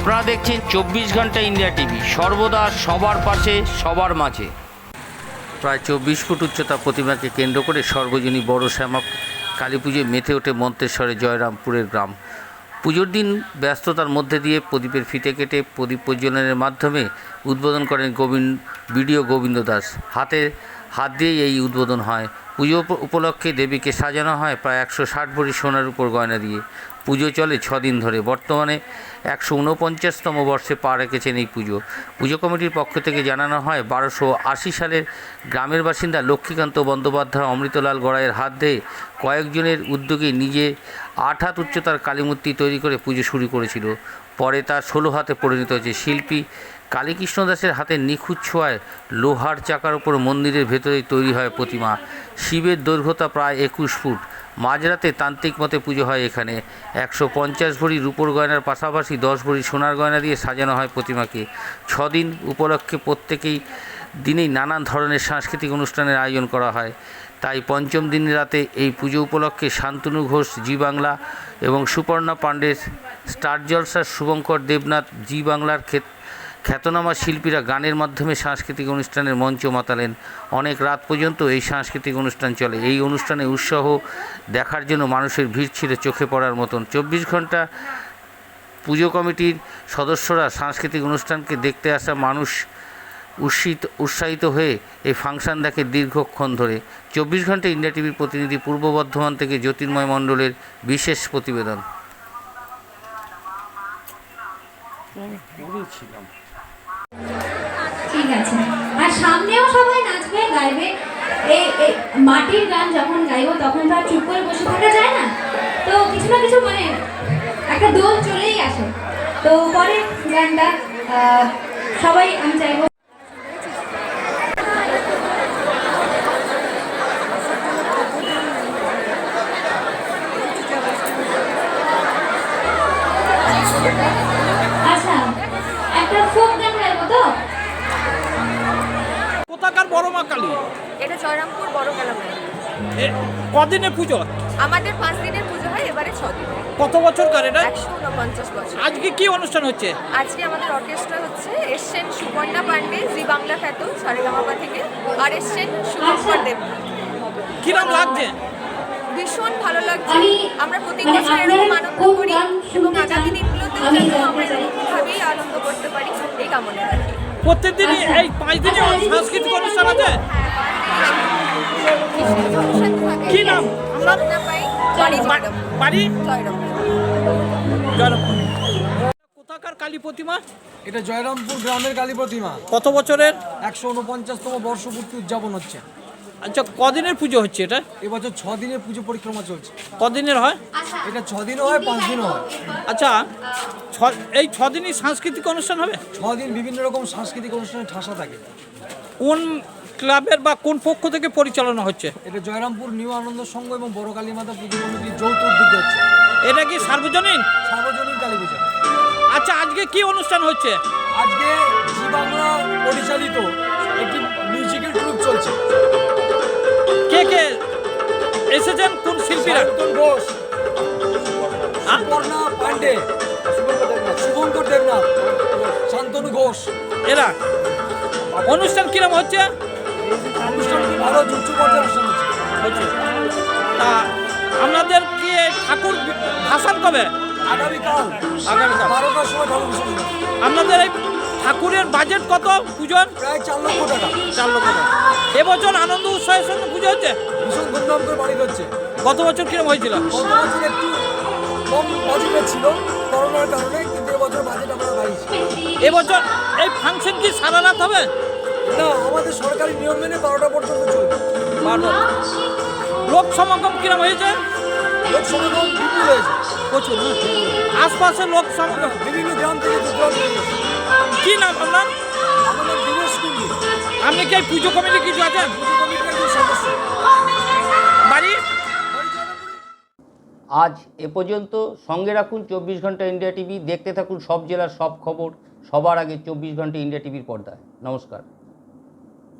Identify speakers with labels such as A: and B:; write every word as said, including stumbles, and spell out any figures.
A: আপনারা দেখছেন চব্বিশ ঘন্টা ইন্ডিয়া টিভি, সর্বদা সবার পাশে সবার মাঝে। প্রায় চব্বিশ ফুট উচ্চতা প্রতিমাকে কেন্দ্র করে সর্বজনীন বড় শ্যামা কালী পুজোয় মেতে ওঠে মন্তেশ্বরে জয়রামপুরের গ্রাম। পুজোর দিন ব্যস্ততার মধ্যে দিয়ে প্রদীপের ফিতে কেটে প্রদীপ প্রজ্বলনের মাধ্যমে উদ্বোধন করেন গোবিন্দ বিডিও গোবিন্দ দাস। হাতে হাত দিয়েই এই উদ্বোধন হয়। পুজো উপলক্ষে দেবীকে সাজানো হয় প্রায় একশো ষাট ভরি সোনার উপর গয়না দিয়ে। পুজো চলে ছদিন ধরে। বর্তমানে একশো ঊনপঞ্চাশতম বর্ষে পা রেখেছেন এই পুজো। পুজো কমিটির পক্ষ থেকে জানানো হয়, বারোশো আশি সালের গ্রামের বাসিন্দা লক্ষ্মীকান্ত বন্দ্যোপাধ্যায় অমৃতলাল গড়াইয়ের হাত দিয়ে কয়েকজনের উদ্যোগে নিজে আট হাত উচ্চতার কালীমূর্তি তৈরি করে পুজো শুরু করেছিল। পরে তা ষোলো হাতে পরিণত হয়েছে। শিল্পী কালীকৃষ্ণ দাসের হাতে নিখুঁত ছোঁয়ায় লোহার চাকার উপর মন্দিরের ভেতরেই তৈরি হয় প্রতিমা। শিবের দৈর্ঘ্যতা প্রায় একুশ ফুট। মাঝরাতে তান্ত্রিক মতে পুজো হয় এখানে। একশো পঞ্চাশ ভরি রূপোর গয়নার পাশাপাশি দশ ভরি সোনার গয়না দিয়ে সাজানো হয় প্রতিমাকে। ছদিন উপলক্ষে প্রত্যেকেই দিনেই নানান ধরনের সাংস্কৃতিক অনুষ্ঠানের আয়োজন করা হয়। তাই পঞ্চম দিন রাতে এই পুজো উপলক্ষে শান্তনু ঘোষ জি বাংলা এবং সুপর্ণা পাণ্ডে স্টার জলসার শুভঙ্কর দেবনাথ জি বাংলার ক্ষেত্রে খ্যাতনামা শিল্পীরা গানের মাধ্যমে সাংস্কৃতিক অনুষ্ঠানের মঞ্চ মাতালেন। অনেক রাত পর্যন্ত এই সাংস্কৃতিক অনুষ্ঠান চলে। এই অনুষ্ঠানে উৎসাহ দেখার জন্য মানুষের ভিড় ছিল চোখে পড়ার মতন। চব্বিশ ঘন্টা পুজো কমিটির সদস্যরা সাংস্কৃতিক অনুষ্ঠানকে দেখতে আসা মানুষ উৎসাহিত উৎসাহিত হয়ে এই ফাংশন দেখে দীর্ঘক্ষণ ধরে। চব্বিশ ঘন্টা ইন্ডিয়া টিভির প্রতিনিধি পূর্ব বর্ধমান থেকে জ্যোতির্ময় মণ্ডলের বিশেষ প্রতিবেদন।
B: ঠিক আছে, আর সামনেও সবাই নাচবে গাইবে। এই মাটির গান যখন গাইবো তখন তো আর চুপ করে বসে থাকা যায় না, তো কিছু না কিছু মানে একটা দোল চলেই আসে। তো পরে গানটা সবাই আমি চাইবো আচ্ছা একটা ফোক গান গাইবো। তো
C: কোথাকার বড় মা কালী?
D: এটা জয়রামপুর বড় কালী।
C: কদিনের পুজো?
D: আমাদের পাঁচ দিনের পুজো হয়, এবারে ছ দিন।
C: কত বছর কার এটা?
D: একশো উনপঞ্চাশ বছর।
C: আজকে কি অনুষ্ঠান হচ্ছে?
D: আজকে আমাদের অর্কেস্ট্রা হচ্ছে। এসছেন সুপর্ণা পাণ্ডে জি বাংলা খ্যাত সারেগামাপা থেকে, আর এসছেন শুভঙ্কর দেবনাথ।
C: কিরম লাগছে?
D: ভীষণ ভালো লাগছে। আমরা প্রতি বছর এরকম আনন্দ করি এবং আগামী দিনগুলোতেও যেন আমরা এরকমভাবেই আনন্দ করতে পারি, এই কামনা রাখি।
C: প্রত্যেকদিনই এই পাঁচ দিনে সাংস্কৃতিক অনুষ্ঠান আছে? কি নাম? বাড়ি জয়রামপুর। কোথাকার কালী প্রতিমা?
E: এটা জয়রামপুর গ্রামের কালী প্রতিমা।
C: কত বছরের?
E: একশো উনপঞ্চাশতম বর্ষপূর্তি উদযাপন হচ্ছে।
C: আচ্ছা, কদিনের পুজো হচ্ছে এটা?
E: এবছর ছ দিনের পুজো পরিক্রমা চলছে।
C: কদিনের হয়?
E: এটা ছ দিনও হয়, পাঁচ দিনও হয়।
C: আচ্ছা, ছ এই ছ দিনই সাংস্কৃতিক অনুষ্ঠান হবে?
E: ছ দিন বিভিন্ন রকম সাংস্কৃতিক অনুষ্ঠানে ঠাসা থাকে।
C: কোন ক্লাবের বা কোন পক্ষ থেকে পরিচালনা হচ্ছে?
E: এটা জয়রামপুর নিউ আনন্দ সংঘ এবং বড় কালী মাতা পুজো কমিটির যৌথ উদ্যোগে হচ্ছে।
C: এটা কি সার্বজনীন?
E: সার্বজনীন কালী পুজো।
C: আচ্ছা, আজকে কি অনুষ্ঠান হচ্ছে?
E: আজকে জি বাংলা পরিচালিত একটি মিউজিক্যাল ট্রুপ চলছে।
C: কে কে এসেছেন? কোন শিল্পীরা?
E: শান্তনু ঘোষ, সুপর্ণা পাণ্ডে, শুভঙ্কর দেবনাথ, শান্তনু ঘোষ।
C: এরা অনুষ্ঠান কিরম হচ্ছে?
E: অনুষ্ঠান ভালো, উচ্চ পর্যায়ের অনুষ্ঠান হচ্ছে।
C: তা আপনাদের কি ঠাকুর ভাসান কবে?
E: আগামীকাল
C: আগামীকাল
E: বারোটার সময় ঠাকুর বিসর্জন।
C: আপনাদের এই ঠাকুরের বাজেট কত পুজোর?
E: প্রায় চার লক্ষ টাকা।
C: চার লক্ষ টাকা। এবছর আনন্দ উৎসাহের সঙ্গে পুজো হচ্ছে?
E: ভীষণ ধুমধাম করে বাড়ি হচ্ছে।
C: গত বছর কিরম হয়েছিল?
E: গত বছর একটু কম বাজেটের ছিল করোনার কারণে, কিন্তু এবছর বাজেট আমরা বাড়িয়েছি।
C: এবছর এই ফাংশন কি সারা রাত হবে?
E: না, আমাদের সরকারি নিয়ম মেনে বারোটা পর্যন্ত চলবে।
C: বারোটা। লোক সমাগম কিরম হয়েছে?
E: লোক সমাগম বিপুল হয়েছে,
C: প্রচুর না? আশপাশের লোক সমাগম
E: বিভিন্ন গ্রাম থেকে দূর দূরান্ত থেকে।
C: কি নাম আপনার?
E: আমাদের দিনেশ কুন্ডি।
C: আপনি কি এই পুজো কমিটি কিছু আছেন?
E: পুজো কমিটির একজন সদস্য।
C: বাড়ি?
A: আজ এ পর্যন্ত। সঙ্গে রাখুন চব্বিশ ঘন্টা ইন্ডিয়া টিভি। দেখতে থাকুন সব জেলার সব খবর সবার আগে চব্বিশ ঘন্টা ইন্ডিয়া টিভির পর্দায়। নমস্কার।